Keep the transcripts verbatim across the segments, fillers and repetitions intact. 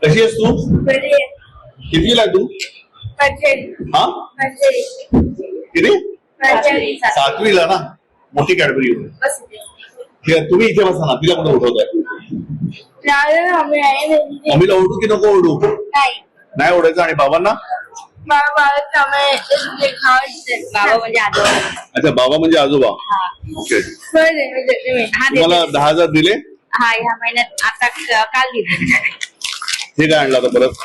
कशी आहेस तू? कितवीला आहे तू? हा किती? सातवीला ना. मोठी कॅडबरी होती. ठीक आहे, तुम्ही इथे बसा ना. तिला कुठं उठवताय? मम्मीला ओढू की नको ओढू? नाही ओढायचं. आणि बाबांना? बाबा म्हणजे आजोबा. अच्छा, बाबा म्हणजे आजोबा. ओके. तुम्हाला दहा हजार दिले? हा, ह्या महिन्यात आता काल दिले. हे काय आणलं आता परत?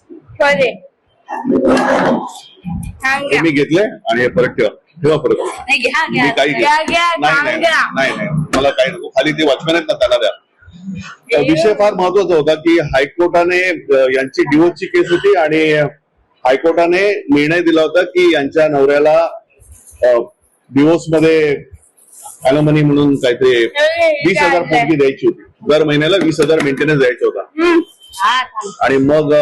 मी घेतले आणि हे परत ठेवा. ठेवा परत. मी काही घेत नाही. नाही नाही मला काही नको. खाली ते वॉचमॅन आहेत ना, त्यांना द्या. विषय फार महत्वाचा होता की हायकोर्टाने यांची डिवोर्सची केस होती आणि हायकोर्टाने निर्णय दिला होता की यांच्या नवऱ्याला डिवोर्स मध्ये अॅलोमनी म्हणून काहीतरी वीस हजार पोटगी द्यायची होती. दर महिन्याला वीस हजार मेंटेनन्स द्यायचा होता. आणि मग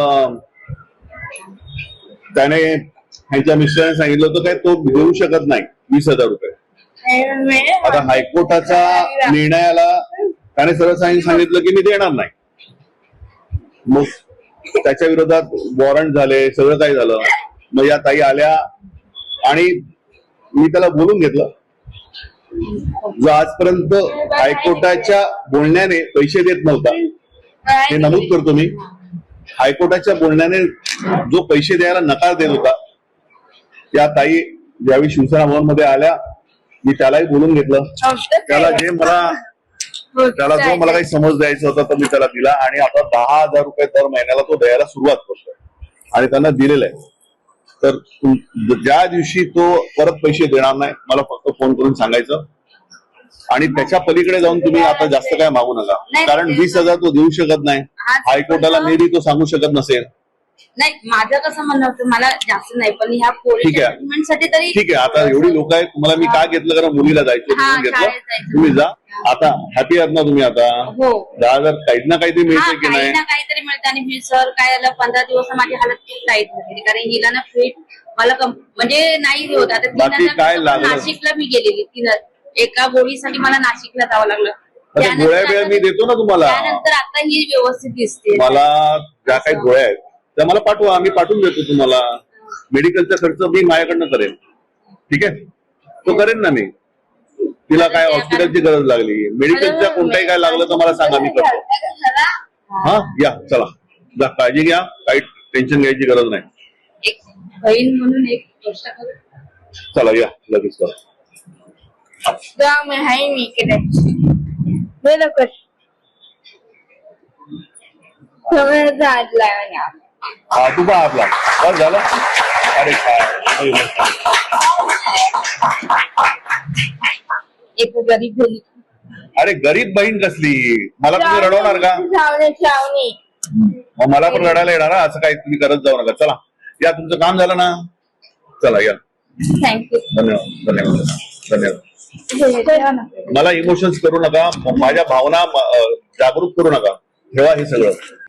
त्याने ह्यांच्या मिस्टरांनी सांगितलं होतं काय तो देऊ शकत नाही वीस हजार रुपये. आता हायकोर्टाचा निर्णयाला त्याने सरळ सांगितलं की मी देणार नाही. मग त्याच्या विरोधात वॉरंट झाले, सगळं काही झालं. मग या ताई आल्या आणि मी त्याला बोलून घेतलं. जो आजपर्यंत हायकोर्टाच्या बोलण्याने पैसे देत नव्हता, हे नमूद करतो मी. हायकोर्टाच्या बोलण्याने जो पैसे द्यायला नकार देत होता, त्या ताई ज्यावेळी शिवसेना भवनमध्ये आल्या, मी त्यालाही बोलून घेतलं. त्याला जे मला त्याला जो मला काही समज द्यायचा होता तो मी त्याला दिला आणि आता दहा हजार रुपये दर महिन्याला तो द्यायला सुरुवात करतोय आणि त्यांना दिलेलं आहे. तर ज्या दिवशी तो परत पैसे देणार नाही मला फक्त फोन करून सांगायचं. आणि त्याच्या पलीकडे जाऊन तुम्ही आता जास्त काय मागू नका, कारण वीस हजार तो देऊ शकत नाही. हायकोर्टाला मे बी तो सांगू शकत नसेल. नाही, माझं कसं म्हणणं होतं, मला जास्त नाही पण ह्या ठीक आहे साठी तरी ठीक आहे. आता एवढी लोक आहेत, तुम्हाला मी काय घेतलं कारण मुलीला जायचं म्हणून घेतलं. तुम्ही जा. आता हॅपी आहात ना तुम्ही? आता दहा हजार काही ना काहीतरी मिळते की नाही? काहीतरी मिळतं. आणि मी सर काय झालं, पंधरा दिवस माझी हालत खूप टाईट झाली कारण हिला ना फिट मला म्हणजे नाही होत. आता बाकी काय लागलं? नाशिकला मी गेलेली तीन एका गोळीसाठी मला नाशिकला जावं लागलं. गोळ्या वेळा मी देतो ना तुम्हाला. त्यानंतर आता ही व्यवस्थित दिसते. मला ज्या काही गोळ्या आहेत त्या मला पाठवा, आम्ही पाठवून देतो तुम्हाला. मेडिकलचा खर्च मी माझ्याकडनं करेन. ठीक आहे, तो करेन ना मी. तिला काय हॉस्पिटलची गरज लागली, मेडिकलच्या कोणताही काय लागलं तर मला सांगा, मी करतो. हा या, चला जा, काळजी घ्या. काही टेन्शन घ्यायची गरज नाही. एक बहीण म्हणून एक गोष्ट चला या लगेच करा. हा तू पहा आपला बस झालं. अरे काय एक गरीब बहीण. अरे गरीब बहीण कसली? मला तुम्ही रडवणार का? मग मला पण रडायला येणार. असं काही तुम्ही करत जाऊ नका. चला या, तुमचं काम झालं ना. चला या. थँक्यू. धन्यवाद धन्यवाद धन्यवाद. मला इमोशन्स करू नका, माझ्या भावना जागरूक करू नका. ठेवा हे सगळं.